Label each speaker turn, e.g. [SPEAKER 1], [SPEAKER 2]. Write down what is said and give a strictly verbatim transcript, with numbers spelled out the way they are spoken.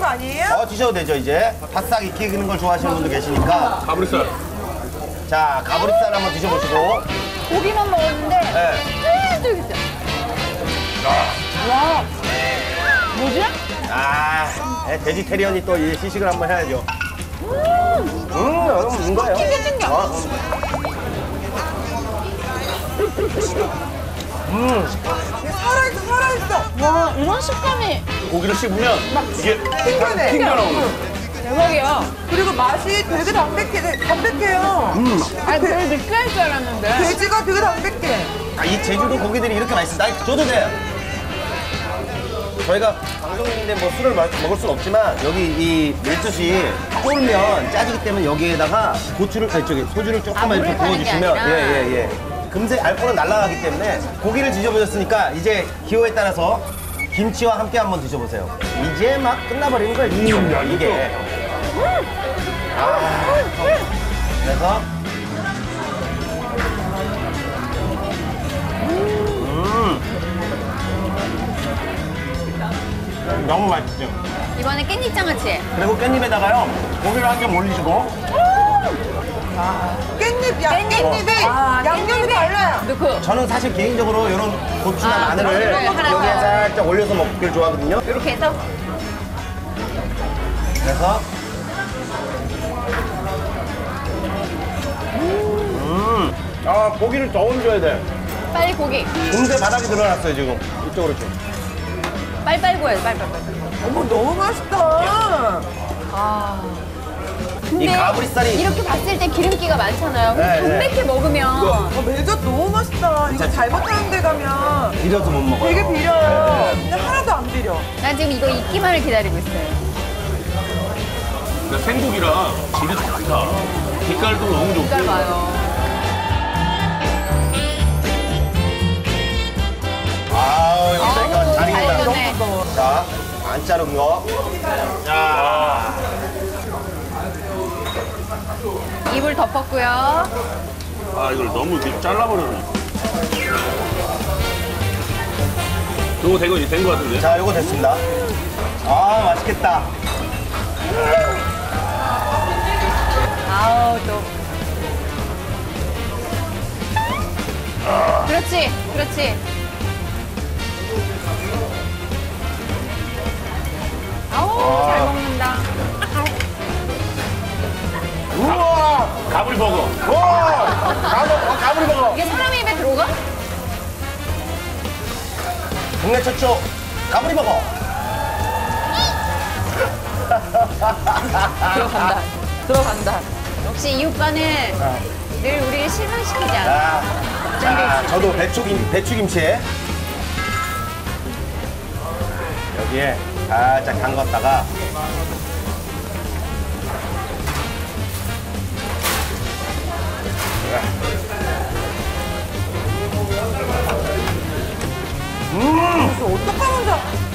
[SPEAKER 1] 아니에요?
[SPEAKER 2] 어, 드셔도 되죠, 이제. 바싹 익히는 걸 좋아하시는 분도 계시니까.
[SPEAKER 3] 가브리살.
[SPEAKER 2] 자, 가브리살 한번 드셔보시고.
[SPEAKER 4] 고기만 먹었는데
[SPEAKER 2] 네.
[SPEAKER 4] 쫄깃쫄깃해. 와. 뭐지?
[SPEAKER 2] 아, 네, 베지테리언이 또 이 시식을 한번 해야죠. 음, 음, 이거예요.
[SPEAKER 4] 튕겨 튕겨.
[SPEAKER 2] 어. 음,
[SPEAKER 1] 살아있어, 살아있어.
[SPEAKER 4] 와, 이런 식감이
[SPEAKER 3] 고기를 씹으면 이게
[SPEAKER 1] 튕겨내.
[SPEAKER 3] 튕겨 나오는.
[SPEAKER 4] 대박이야.
[SPEAKER 1] 그리고 맛이 되게 담백해, 담백해요.
[SPEAKER 2] 음.
[SPEAKER 4] 아니, 되게 느끼할 줄 알았는데.
[SPEAKER 1] 돼지가 되게 담백해.
[SPEAKER 2] 아, 이 제주도 고기들이 이렇게 맛있어. 나 줘도 돼요. 저희가 방송인데 뭐 술을 마, 먹을 순 없지만 여기 이 밀젓이 쫄면 짜지기 때문에 여기에다가 고추를 아니 저기 소주를 조금만
[SPEAKER 4] 아,
[SPEAKER 2] 이렇게
[SPEAKER 4] 물을 타는 게
[SPEAKER 2] 부어주시면
[SPEAKER 4] 아니라.
[SPEAKER 2] 예예 예. 금세 알코올은 날아가기 때문에 고기를 드셔보셨으니까 이제 기호에 따라서 김치와 함께 한번 드셔보세요. 이제 막 끝나버리는 거예요. 이, 이게. 아, 그래서 너무 맛있죠.
[SPEAKER 4] 이번에 깻잎 장아찌.
[SPEAKER 2] 그리고 깻잎에다가요 고기를 한 점 올리시고
[SPEAKER 1] 깻잎, 야,
[SPEAKER 4] 깻잎.
[SPEAKER 1] 깻잎이
[SPEAKER 4] 아,
[SPEAKER 1] 양념이
[SPEAKER 4] 깻잎이.
[SPEAKER 1] 달라요.
[SPEAKER 4] 넣고
[SPEAKER 2] 저는 사실 개인적으로 이런 고추나
[SPEAKER 4] 아,
[SPEAKER 2] 마늘을
[SPEAKER 4] 마늘을 하나
[SPEAKER 2] 여기에
[SPEAKER 4] 더.
[SPEAKER 2] 살짝 올려서 먹기를 좋아하거든요.
[SPEAKER 4] 이렇게 해서
[SPEAKER 2] 그래서 음, 아 고기를 더 얹어야 돼.
[SPEAKER 4] 빨리 고기.
[SPEAKER 2] 금세 바닥이 늘어났어요 지금. 이쪽으로 좀.
[SPEAKER 4] 빨빨 구워야 돼, 빨빨빨.
[SPEAKER 1] 어머, 너무 맛있다.
[SPEAKER 4] 아.
[SPEAKER 2] 이
[SPEAKER 4] 근데
[SPEAKER 2] 가브리살이
[SPEAKER 4] 이렇게 봤을 때 기름기가 많잖아요.
[SPEAKER 2] 네,
[SPEAKER 4] 담백해 먹으면
[SPEAKER 1] 어, 멜젓 너무 맛있다. 이거 잘못하는 데 가면
[SPEAKER 2] 비려서 못 먹어요.
[SPEAKER 1] 되게 비려요. 근데 하나도 안 비려.
[SPEAKER 4] 난 지금 이거 익기만을 기다리고 있어요.
[SPEAKER 3] 그러니까 생고기라 질이 좋다. 빛깔도 너무 좋고.
[SPEAKER 4] 색깔 봐요.
[SPEAKER 2] 아우 이거
[SPEAKER 4] 아우,
[SPEAKER 2] 이거 잘
[SPEAKER 4] 잘
[SPEAKER 2] 익는다.
[SPEAKER 4] 익었네.
[SPEAKER 2] 자, 안 자른 거. 자,
[SPEAKER 4] 입을 덮었고요.
[SPEAKER 3] 아, 이걸 너무 이렇게 잘라버렸네. 요거 된거 이제 된 거 같은데?
[SPEAKER 2] 자, 요거 됐습니다. 아, 맛있겠다.
[SPEAKER 4] 아우 또. 그렇지, 그렇지. 아우 잘 먹는다.
[SPEAKER 2] 우와!
[SPEAKER 3] 가브리버거.
[SPEAKER 2] 와! 가브, 가브리 먹어.
[SPEAKER 4] 이게 사람 입에 들어가?
[SPEAKER 2] 국내 최초 가브리 먹어.
[SPEAKER 4] 들어간다. 들어간다. 역시 이 오빠는 늘 우리를 실망시키지 않아.
[SPEAKER 2] 자, 자, 저도 배추김, 배추김치에 여기에 살짝 담갔다가
[SPEAKER 1] 그래서 어떡하면 자